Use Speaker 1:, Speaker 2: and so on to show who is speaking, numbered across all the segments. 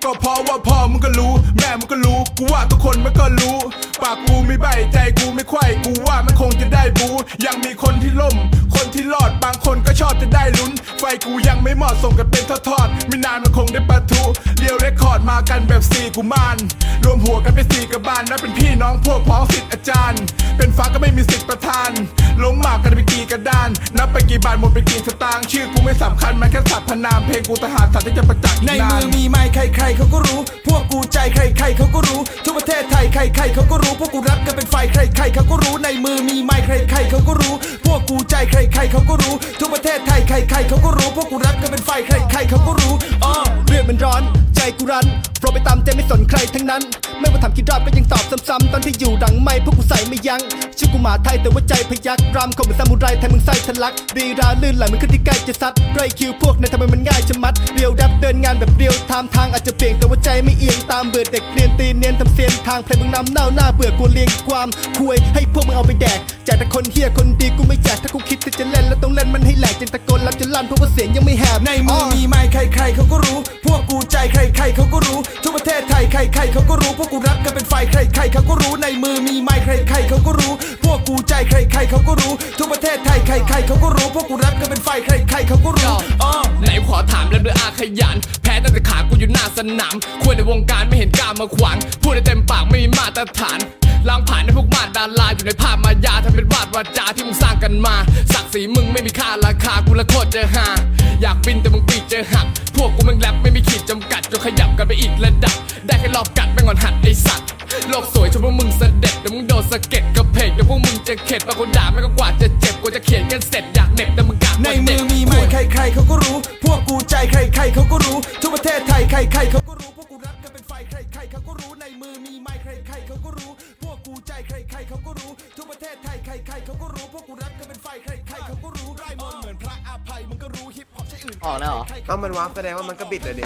Speaker 1: ก็เพราะว่าพ่อมึงก็รู้แม่มึงก็รู้กูว่าทุกคนมันก็รู้ปากกูไม่ใบใจกูไม่ไขว้กูว่ามันคงจะได้บูยังมีคนที่ล่มคนที่รอดบางคนก็ชอบจะได้ลุ้นไฟกูยังไม่หมดส่งกันเป็นทอดๆไม่นานมันคงได้ปะทุเรียวเรคคอร์ดมากันแบบ4กุมารรวมหัวกันเป็น4กระบาลนับเป็นพี่น้องพวกพ้องศิษย์อาจารย์เป็นฟ้าก็ไม่มีสิทธิ์ประทานล้มหมากกันไปกี่กระดานนับไปกี่บาทหมดไปกี่สตางค์ชื่อกูไม่สำคัญมันแค่สัตว์พนามเพลงกูทหารสัตว์ที่จะประจักษ์ในมือมีไม้ใครๆเขาก็รู้พวกกูใจใครๆเขาก็รู้ทั่วประเทศไทยใครๆเขาก็รู้พวกกูรักกันเป็นไฟใครๆเขาก็รู้ในมือมีไม้ใครๆเขาก็รู้พวกกูใจใครๆเขาก็รู้ทั่วประเทศไทยใครๆเขาก็รู้พวกกูรักกันเป็นไฟใครๆเขาก็รู้
Speaker 2: เลือดมันร้อนใจกูรั้นโปรไปตามใจไม่สนใครทั้งนั้นไม่ว่าทำกี่รอบก็ยังตอบซ้ำๆตอนที่อยู่ดังไม่พวกกูใส่ไม่ยั้งชื่อกูหมาไทยแต่ว่าใจพยักรำคมเหมือนซามูไรไทยมึงไส้ทะลักรีราลื่นไหลเหมือนขึ้นที่ใกล้จะซัดไรคิวพวกนั้นทำไมมันง่ายจะมัดเรียวดับเดินงานแบบเรียวทางอาจจะเปลี่ยนแต่ว่าใจไม่เอียงตามเบื่อเด็กเรียนตีเนียนทำเสียนทางเพลงมึงนำเน่าหน้าเบื่อกูเลียงความคุยให้พวกมึงเอาไปแดกแจกแต่คนเฮียคนดีกูไม่แจกถ้ากูคิดจะเล่นแล้วต้องเล่นมันให้แหลกจนตะโกนรับจนลั่นเพราะว่าเสียงยังไม่แหบ
Speaker 1: ในมือมีไม้ใครๆเขาก็รู้พวกกูใจใครๆเขาก็รู้ทั่วประเทศไทยใครๆเขาก็รู้พวกกูรักกันเป็นไฟใครๆเขาก็รู้ในมือมีไม้ใครๆเขาก็รู้พวกกูใจใครๆเขาก็รู้ทั่วประเทศไทยใครๆเขาก็รู้พวกกูรักกันเป็นไฟใครๆเขาก็รู้
Speaker 3: ไหนขอถามแล้วด้วยอาขยันแพ้ตั้งแต่ขากูอยู่หน้าสนามควรในวงการไม่เห็นกล้ามาขวางพูดได้เต็มปากไม่มีมาตรฐานล้างผ่านในพวกมาดาราอยู่ในภาพมายาทำเป็นวาดวาจาที่มึงสร้างกันมาศักดิ์ศรีมึงไม่มีค่าราคากูละโคตรจะหาอยากบินแต่มึงปีกจะหักพวกกูมึงแรปไม่มีขีดจำกัดจนขยับกันไปอีกระดับได้แค่รอบกัดไม่งอนหัดไอสัตว์โลกสวยจนพวกมึงเสด็จแต่มึงโดนสะเก็ดกระเพกเดี๋ยวพวกมึงจะเข็ดบางคนด่าไม่ก็กว่าจะเจ็บกูจะเขียนกันเสร็จอยากเหน็บแต่มึงกะ
Speaker 1: ในมือมีไม้ใครๆเขาก็รู้พวกกูใจใครๆเขาก็รู้ทั่วประเทศไทยใครๆเขาก็รู้พวกกูรักกันเป็นไฟใครๆเขาก็รู้ในมือมีไม้ใครๆเขาก็รู้พวกกูใจใครๆเขาก็รู้ทั่วประเทศไทยใครๆเขาก็รู้พวกกูรักกันเป็นไฟใครๆเขาก็รู้ไร่มนเหมือนพระอภัยมึงก็รู้ฮิปฮอปใช่อื่น
Speaker 2: ออกแล้วเหรอ
Speaker 4: เอามันวาร์ปแสดงว่ามันก็บิดเลยดิ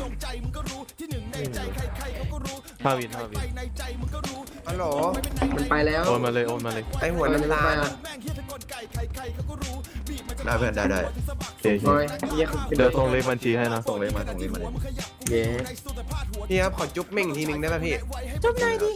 Speaker 5: 5 วิ
Speaker 4: ฮัลโหล
Speaker 6: มันไปแล้ว
Speaker 5: โอนมาเลย
Speaker 4: ไอหัวน้ำตาลได้เพื่อนได้
Speaker 5: เดี๋ยว
Speaker 6: โอ้ยเยี่ยม
Speaker 5: เดี๋ยวส่งเลขบัญชีให้นะ
Speaker 4: ส่งเลยมา
Speaker 6: เย้
Speaker 4: พี่ครับขอจุ๊บเม่งทีนึงได้ป่ะพี่
Speaker 2: จุ๊บหน่อยดิ